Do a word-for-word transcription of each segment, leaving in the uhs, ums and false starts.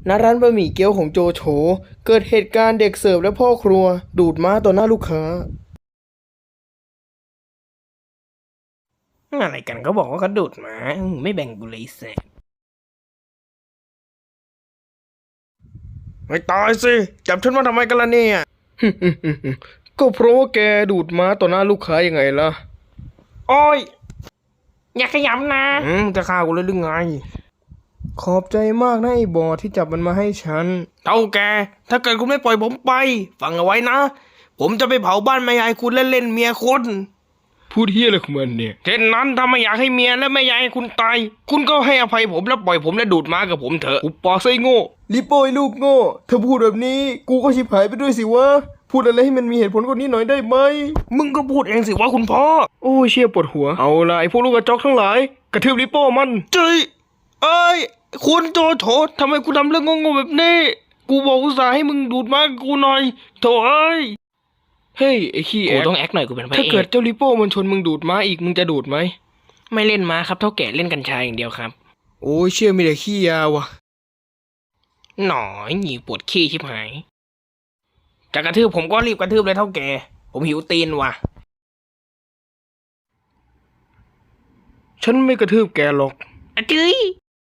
ณร้านบะหมี่เกี๊ยวของโจโฉเกิดเหตุการณ์เด็กเสิร์ฟและพ่อครัวดูดม้าต่อหน้าลูกค้าอะไรกันก็บอกว่าเขาดูดม้าไม่แบ่งกูเลยแสบไม่ตายสิจับฉันมาทำไมกันล่ะเนี่ย ก็เพราะว่าแกดูดม้าต่อหน้าลูกค้ายังไงล่ะโอ้ยอย่าขยำนะอืมจะฆ่ากูเลยหรือไงขอบใจมากนะไอ้บอที่จับมันมาให้ฉันเท่าแกถ้าเกิดคุณไม่ปล่อยผมไปฟังเอาไว้นะผมจะไปเผาบ้านแม่ยายคุณและเล่นเมียคนพูดเฮียอะไรของมันเนี่ยเช่นนั้นถ้าไม่อยากให้เมียและแม่ยายคุณตายคุณก็ให้อภัยผมแล้วปล่อยผมและดูดม้ากับผมเถอะอุปปอไส้โง่ลิโป้ยลูกโง่เธอพูดแบบนี้กูก็ชิบหายไปด้วยสิวะพูดอะไรให้มันมีเหตุผลกว่านี้หน่อยได้ไหมมึงก็พูดเองสิว่าคุณพ่อโอ้ยเชี่ยปวดหัวเอาละไอ้พวกลูกกระจอกทั้งหลายกระทืบลิโป้มันเจ้ยเอ้ยคุณโจโฉทำไมกูทำเรื่องงงๆแบบนี้กูบอกอุตส่าห์ให้มึงดูดม้ากูหน่อยโถเอ้ยเฮ้ยไอ้ขี้แอกกูต้องแอคหน่อยกูเป็นพระเอกถ้าเกิดเจ้าลิโป้มันชนมึงดูดม้าอีกมึงจะดูดไหมไม่เล่นม้าครับเท่าแก่เล่นกัญชาอย่างเดียวครับโอ้ยเชื่อมีแต่ขี้ยาวะหน่อยหนีปวดขี้ชิบหายจะกระทืบผมก็รีบกระทืบเลยเท่าแก่ผมหิวตีนว่ะฉันไม่กระทืบแกหรอกอะจื้ย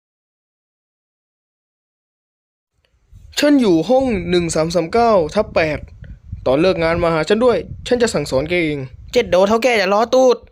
ฉันอยู่ห้องหนึ่งสามสามเก้าทับแปดตอนเลิกงานมาหาฉันด้วยฉันจะสั่งสอนแกเองเจ็ดโดเท่าแกอย่าล้อตูด